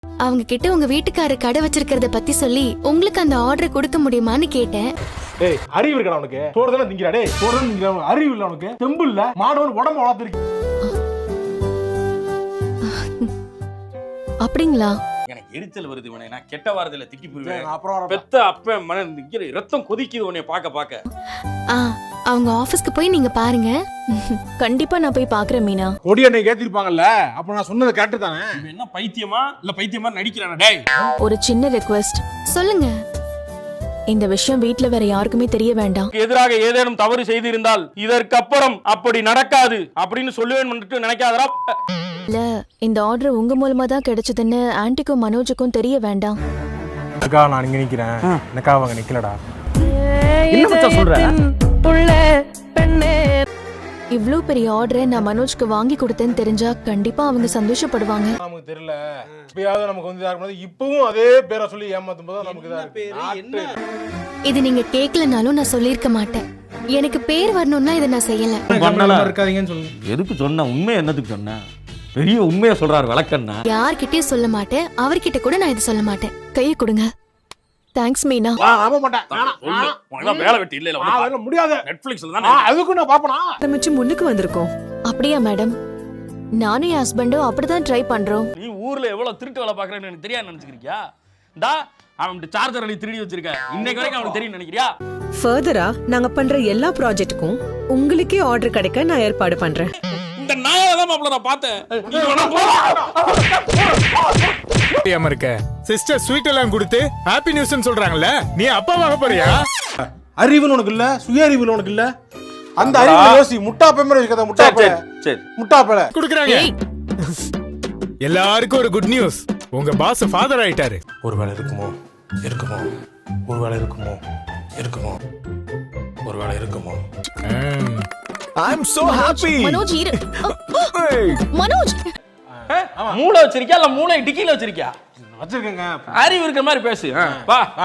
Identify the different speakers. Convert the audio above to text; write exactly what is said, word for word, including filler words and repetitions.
Speaker 1: அவங்க கிட்ட உங்க வீட்டுக்காரர் கடை வச்சிருக்கிறத பத்தி சொல்லி உங்களுக்கு அந்த ஆர்டர் கொடுக்க முடியுமான்னு கேட்டேன்.
Speaker 2: டேய் அறிவு இருக்கடா உனக்கு? சோறு தானே திங்கிறா? டேய் சோறு தானே திங்கிறா? அறிவு இல்ல உனக்கு? தெம்பு இல்ல? மாடவன் உடம்பு வளர்த்துருக்கு.
Speaker 1: அப்படிங்களா?
Speaker 3: எனக்கு எரிச்சல் வருது உன்னை. நான் கெட்ட வாரத்துல திட்டி போடுவேன்.
Speaker 2: அப்புறம்
Speaker 3: பெத்த அப்ப மன நிக்கிற ரத்தம் கொதிக்குது உன்னை பாக்க பாக்க.
Speaker 1: ஆ அவங்க ஆபீஸ்க்கு போய் நீங்க பாருங்க.
Speaker 4: கண்டிப்பா நான் போய் பாக்குறேன் மீனா.
Speaker 2: கொடி அன்னை கேத்திருப்பாங்கல்ல, அப்ப நான் சொன்னது கரெக்ட் தானே?
Speaker 3: இவன் என்ன பைத்தியமா இல்ல பைத்தியமா நடிக்கிறானா? டேய்
Speaker 4: ஒரு சின்ன ரெக்வெஸ்ட்.
Speaker 1: சொல்லுங்க.
Speaker 4: இந்த விஷயம் வீட்ல வேற யாருக்குமே தெரிய வேண்டாம்.
Speaker 3: எதிராக ஏதேனும் தவறு செய்திருந்தால் இதற்கு அப்புறம் அப்படி நடக்காது அப்படின்னு சொல்லுவேன் நினைக்காதரா.
Speaker 4: இல்ல இந்த ஆர்டர் உங்க மூலமா தான் கிடைச்சதுன்னு ஆன்ட்டிக்கும் மனோஜுக்கும் தெரிய வேண்டாம்.
Speaker 2: அக்கா நான் இங்க நிக்கிறேன், எனக்கா அவங்க நிக்கலடா.
Speaker 3: என்ன மச்சான் சொல்ற?
Speaker 4: இவ்ளோ பெரிய ஆர்டரை நான் மனோஜ்க்கு வாங்கி கொடுத்தேன்னு தெரிஞ்சா கண்டிப்பா அவங்க சந்தோஷப்படுவாங்க.
Speaker 2: நமக்கு தெரியல, இப்பயாவது நமக்கு வந்து யாருக்கு இப்பவும் அதே பேரை சொல்லி ஏமாத்தும் போது நமக்கு
Speaker 3: என்ன
Speaker 1: இது நீங்க கேட்கலனாலும் நான் சொல்லிருக்க மாட்டேன். எனக்கு பேர் வரணும்னா இதை நான் செய்யல.
Speaker 2: இருக்காதீங்கன்னு சொல்லுங்க.
Speaker 3: எதுக்கு சொன்ன? உண்மை என்னதுக்கு சொன்ன? பெரிய உண்மையை சொல்றாரு வழக்கண்ணா.
Speaker 1: யார்கிட்டயும் சொல்ல மாட்டேன், அவர்கிட்ட கூட நான் இதை சொல்ல மாட்டேன். கையை கொடுங்க.
Speaker 4: தேங்க்ஸ் மீனா.
Speaker 2: நம்ப மாட்டேன்.
Speaker 3: வேலை வெட்டி இல்ல
Speaker 2: முடியாது.
Speaker 3: நெட்ஃபிளிக்ஸ்ல தானே
Speaker 2: அதுக்கு நான் பாப்பனா
Speaker 5: ஆரம்பிச்சு முன்னுக்கு வந்திருக்கோம்.
Speaker 4: அப்படியா மேடம்? நானும் என் ஹஸ்பண்டும் அப்படிதான் ட்ரை பண்றோம்.
Speaker 3: நீ ஊர்ல எவ்வளவு திருட்டு வேலை பாக்குறேன்னு எனக்கு தெரியாது நினைச்சுக்கிறியா? டா அவன் சார்ஜர் அடி திருடி வச்சிருக்க, இன்னைக்கு வரைக்கும் அவனுக்கு தெரியும் நினைக்கிறியா?
Speaker 5: ஃபர்தரா நாங்க பண்ற எல்லா ப்ராஜெக்ட்டுக்கும் உங்களுக்கே ஆர்டர் கிடைக்க நான் ஏற்பாடு பண்றேன்.
Speaker 3: இந்த நாயை தான் மாப்ள நான் பார்த்தேன்.
Speaker 6: இருக்க சிஸ்டர் ஸ்வீட் எல்லாம் கொடுத்து ஹாப்பி நியூஸ்னு சொல்றாங்கல்ல, நீ அப்பாவாக போறியா?
Speaker 2: அறிவுன்னு உனக்கு இல்ல, சுய அறிவு உனக்கு இல்ல. அந்த அறிவு யோசி. முட்டா பேமர வச்சுக்கத. முட்டா பேல
Speaker 3: சரி
Speaker 2: முட்டா பேல
Speaker 6: குடுக்குறாங்க. எல்லாருக்கும் ஒரு குட் நியூஸ், உங்க பாஸ் ஃபாதர் ஆயிட்டாரு.
Speaker 2: ஒருவேளை இருக்குமோ இருக்குமோ ஒருவேளை இருக்குமோ இருக்குமோ ஒருவேளை இருக்குமோ.
Speaker 6: I am so happy.
Speaker 4: Manoj இரு. மனோஜ்
Speaker 3: மூளை வச்சிருக்கியா இல்ல மூளை டிக்கில வச்சிருக்கியா?
Speaker 2: வச்சிருக்கேங்க.
Speaker 3: அறிவு இருக்கிற மாதிரி பேசு. வா.